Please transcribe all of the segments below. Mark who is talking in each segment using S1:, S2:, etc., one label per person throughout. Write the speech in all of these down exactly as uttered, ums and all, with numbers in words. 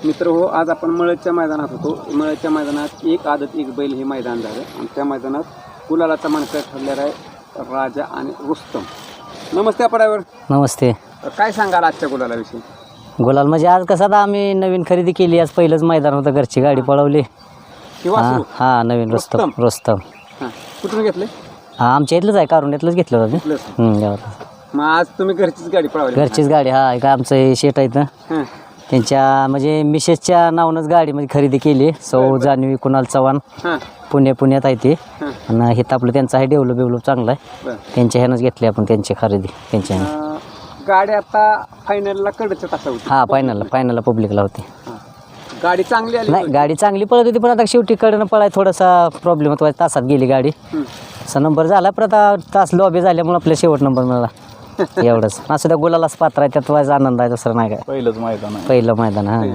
S1: मित्र हो, आज आपण मळदच्या मैदानात होतो. मळदच्या मैदानात एक आदत एक बैल हे मैदान झालं आणि त्या मैदानात गुलालाचा मानकरी ठरलेला आहे राजा आणि रुस्तम. नमस्ते पडावर.
S2: नमस्ते.
S1: काय सांगाल आजच्या गुलालाविषयी?
S2: गुलाल म्हणजे आज कसं आता आम्ही नवीन खरेदी केली. आज पहिलंच मैदान होतं, घरची गाडी पळवली.
S1: किंवा
S2: हा नवीन रुस्तम रुस्तम
S1: हां कुठून घेतले?
S2: हा आमच्या इथलंच आहे, कारुंड्यातलंच घेतलं होतं. हम्म,
S1: मग आज तुम्ही घरचीच गाडी पळवली?
S2: घरचीच गाडी. हा एक आमचं हे शेट आहेत ना, त्यांच्या म्हणजे मिसेसच्या नावानंच गाडी म्हणजे खरेदी केली. सौ जान्हवी कुणाल चव्हाण पुणे पुण्यात आहे ते. आणि हे आपलं त्यांचं आहे डेव्हलप डेव्हलप चांगलं आहे. त्यांच्या ह्यानंच घेतली आपण त्यांची खरेदी त्यांच्या ह्यानं.
S1: गाडी आता फायनलला कडच तासा होती? हा
S2: फायनलला फायनलला पब्लिकला होती.
S1: गाडी चांगली आली?
S2: नाही गाडी चांगली पळत होती, पण आता शेवटी कडनं पळाय थोडासा प्रॉब्लेम होता. तासात गेली गाडी. असा नंबर झाला, पण आता तास लॉबी झाल्यामुळे आपल्या शेवट नंबर मिळाला. एवढंच. असं त्या गुलालाच पात्र आहे, त्यात व्हायचा आनंद आहे, दुसरं नाही काय.
S1: पहिलंच मैदान
S2: पहिलं मैदान. हा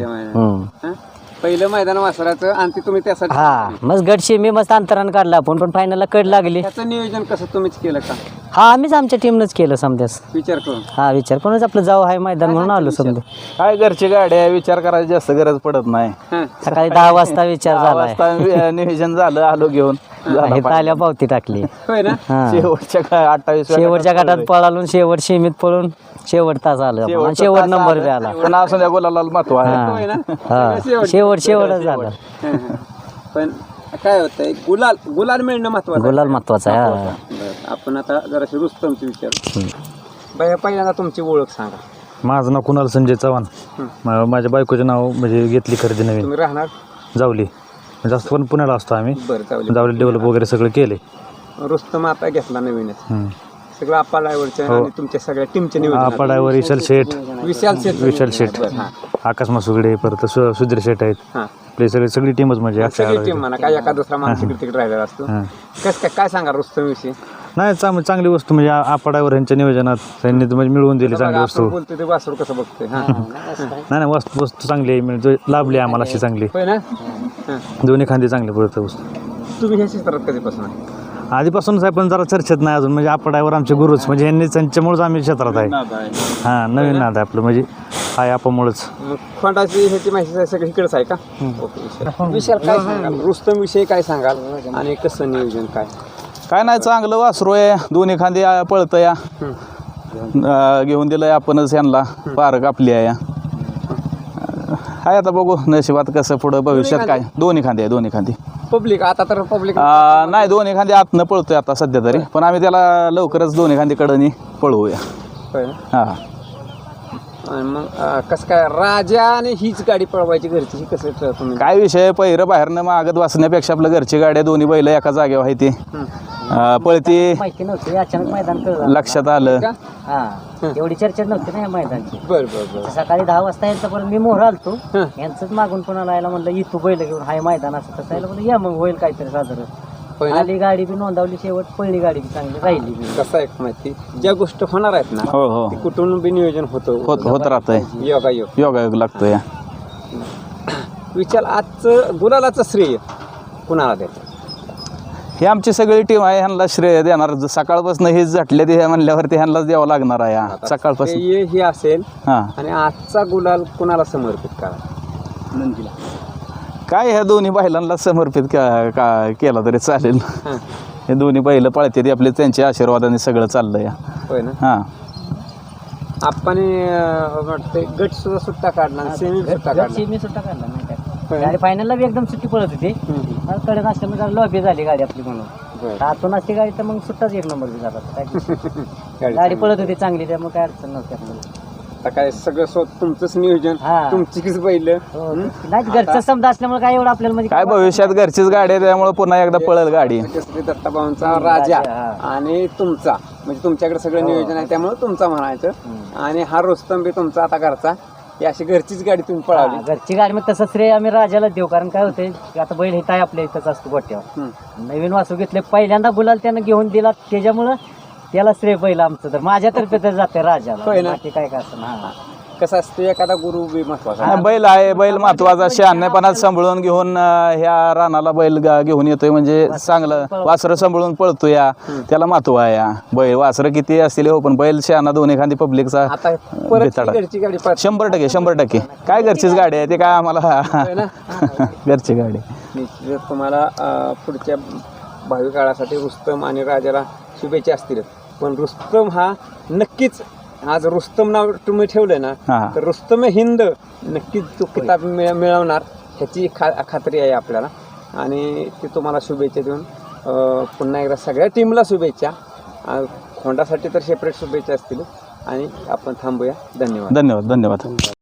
S1: पहिलं मैदान वासराचं आणि ते तुम्ही त्यासाठी
S2: हा मग गटशी मी मस्त अंतरानं काढला आपण, पण फायनलला कड लागली.
S1: त्याचं नियोजन कसं तुम्हीच केलं का?
S2: हा आम्हीच आमच्या टीमनंच केलं समजास.
S1: विचार करून? हा
S2: विचार करूनच आपलं जाऊ आहे मैदान म्हणून आलो समजा.
S3: काय घरची गाडी आहे, विचार करायची जास्त गरज पडत नाही.
S2: सकाळी दहा वाजता विचार झाला,
S3: नियोजन झालं, आलो घेऊन
S2: आल्या पावती टाकली.
S3: शेवटच्या काय अठ्ठावीस
S2: शेवटच्या गटात पळालून शेवट सीमित पळून शेवट तास आलं, शेवट नंबर बी आला.
S3: पण असं त्या गुलाला महत्व आहे.
S2: हा शेवट शेवटच झालं.
S1: पण काय होतंय, गुलाल गुलाल मिळणं महत्वाचं.
S2: गुलाल महत्वाचं आहे.
S1: आपण आता जराशी रुस्तमची विचार. बाया पहिल्यांदा तुमची ओळख सांगा.
S4: माझं नाव कुणाल संजय चव्हाण. माझ्या बायकोचे नाव म्हणजे घेतली खरेदी नवीन.
S1: तुम्ही राहणार
S4: जावली, जास्त पण पुण्याला असतो आम्ही.
S1: बरं
S4: जावली डेव्हलप वगैरे सगळं केले.
S1: रुस्तम आता घेतला नवीनच. सगळं आपा ड्रायव्हरच्या आणि तुमच्या सगळ्या टीमच्या नियोजन.
S4: आपा ड्रायव्हर विशाल शेठ,
S1: विशाल शेठ
S4: विशाल शेठ आकाश मासुगडे, परत सुधीर शेठ आहेत. आपली सगळी सगळी टीमच म्हणजे
S1: सगळी टीम म्हणा. काय एका दुसरा माणूस तिकडे तिकडे राहिलेला असतो. कसं काय काय सांगा रुस्तम विषयी?
S4: नाही चांगली चांगली वस्तू म्हणजे आपा ड्रायव्हर यांच्या नियोजनात त्यांनी म्हणजे मिळवून दिली चांगली वस्तू.
S1: बोलतो ते वासरू कसं बघतोय?
S4: नाही नाही वस्तू वस्तू चांगली आहे, म्हणजे लाभली आम्हाला अशी चांगली.
S1: होय ना?
S4: दोन्ही खांदी चांगली पडतं वस्तू.
S1: तुम्ही ह्या क्षेत्रात कधीपासून आहे?
S4: आधीपासूनच आहे, पण जरा चर्चेत नाही अजून. म्हणजे आपा ड्रायव्हर आमचे गुरुच, म्हणजे यांनी त्यांच्यामुळेच आम्ही क्षेत्रात आहे. हा नवीन नाद आहे आपलं, म्हणजे आहे आपामुळेच.
S1: खोंडाची ह्याची माहिती सगळी इकडेच आहे का? ओके. विशाल काय सांगाल रुस्तम विषयी, काय सांगाल आणि कसं नियोजन काय?
S3: काय नाही, चांगलं वासरू आहे, दोन्ही खांदी पळतं या. घेऊन दिलंय आपणच यांना, पारक आपली आहे. हाय आता बघू नशिबात कसं पुढं भविष्यात काय. दोन्ही खांदी आहे, दोन्ही खांदी.
S1: पब्लिक आता तर पब्लिक
S3: नाही, दोन्ही खांदी आतनं पळतोय आता सध्या तरी, पण आम्ही त्याला लवकरच दोन्ही खांदी कडनी पळवूया. हा
S1: मग कसं काय राजा आणि हीच गाडी पळवायची घरची, ही कसं तुम्ही?
S3: काय विषय, पहिरं बाहेरनं मागत वाचण्यापेक्षा आपलं घरची गाडी, दोन्ही बैल एका जागेवर आहे ती पळती.
S2: माहिती नव्हती, अचानक मैदान
S3: लक्षात आलं.
S2: एवढी चर्चा नव्हती ना या मैदानची.
S1: बरं बरं बरं.
S2: सकाळी दहा वाजता यांचा परत मी मोहर आलतो, यांचंच मागून कोणाला यायला म्हणलं ये तू बैल घेऊन, हाय मैदान असं तसं यायला म्हणलं या मग होईल काहीतरी साधारण. आली गाडी बी नोंदवली, शेवट पळली गाडी बी चांगली राहिली. कसं आहे माहिती, ज्या गोष्ट होणार आहेत ना,
S3: हो हो
S1: कुठून बी नियोजन होतं
S3: होत होत राहतंय.
S1: योगा योग
S3: योगायोग लागतो या.
S1: विचार आजचं गुलालाचं श्रेय कुणाला द्यायचं?
S3: ही आमची सगळी टीम आहे, ह्यांना श्रेय देणार. सकाळपासून हेच झटले ते म्हणल्यावरती ह्यांनाच द्यावं लागणार आहे सकाळपासून.
S1: हे असेल.
S3: हां,
S1: आणि आजचा गुलाल कुणाला समर्पित करा? नंदीला.
S3: काय ह्या दोन्ही बैलांना समर्पित का का केला तरी चालेल. हे दोन्ही बैल पळते ते आपले, त्यांच्या आशीर्वादाने सगळं चाललं या.
S1: होय ना?
S3: हां,
S1: आपण वाटते गट सुद्धा सुट्टा काढला, सेमी सुट्टा काढला.
S2: सेमी सुट्टा काढला नाही काय, गाडी फायनलला बी एकदम सुट्टी पळत होती. कडे असल्यामुळे लॉबी झाली गाडी आपली म्हणून. आतून असते गाडी तर मग सुट्टाच एक नंबर बी झाला. गाडी पळत होती चांगली, त्यामुळे काय अडचण नव्हती आपल्याला.
S1: आता काय सगळं स्वतः तुमचंच नियोजन, तुमचीच बैल
S2: नाही, घरचं समजा असल्यामुळे काय एवढं आपल्याला म्हणजे
S3: काय भविष्यात घरचीच गाडी आहे, त्यामुळे पुन्हा एकदा पळेल गाडी.
S1: दत्ताभाऊंचा राजा आणि तुमचा, म्हणजे तुमच्याकडे सगळं नियोजन आहे त्यामुळे तुमचा म्हणायचं. आणि हा रुस्तम बी तुमचा आता घरचा, ही अशी घरचीच गाडी तुम्ही पळाली.
S2: घरची गाडी मग तसं श्रेय आम्ही राजाला देऊ, कारण काय होते आता बैल हे काय आपल्या इथंच असतो गोट्यावर. नवीन वासू घेतले, पहिल्यांदा गुलाल त्यानं घेऊन दिला, त्याच्यामुळं त्याला श्रेय पहिलं आमचं. तर माझ्यातर्फे तर जाते राजाला, बाकी काय काय असं.
S1: कसं असतं एखादा गुरु बी महत्वाचा
S3: नाही, बैल आहे बैल महत्वाचा शहाण्णेपणात सांभाळून घेऊन अं, ह्या रानाला बैल गा- घेऊन येतोय म्हणजे चांगलं वासरं सांभाळून पळतो या त्याला महत्व आहे या बैल वासरं किती असतील हो पण बैल शहाणा दोन्ही खांदी पब्लिकचा
S1: आता परत
S3: बेताडा.
S1: ती घरची गाडी पळते.
S3: शंभर टक्के शंभर टक्के काय घरचीच गाडी आहे ते काय आम्हाला घरची गाडी
S1: निश्चितच तुम्हाला अं, पुढच्या भावी काळासाठी रुस्तम आणि राजाला शुभेच्छा असतील पण रुस्तम हा नक्कीच आज रुस्तम नाव तुम्ही ठेवलं ना
S3: हा.
S1: तर रुस्तम हिंद नक्कीच तो किताब मिळ मिळवणार ह्याची खा खात्री आहे आपल्याला आणि ते तुम्हाला शुभेच्छा देऊन अं, पुन्हा एकदा सगळ्या टीमला शुभेच्छा अं, खोंडासाठी तर सेपरेट शुभेच्छा असतील आणि आपण थांबूया धन्यवाद
S3: धन्यवाद धन्यवाद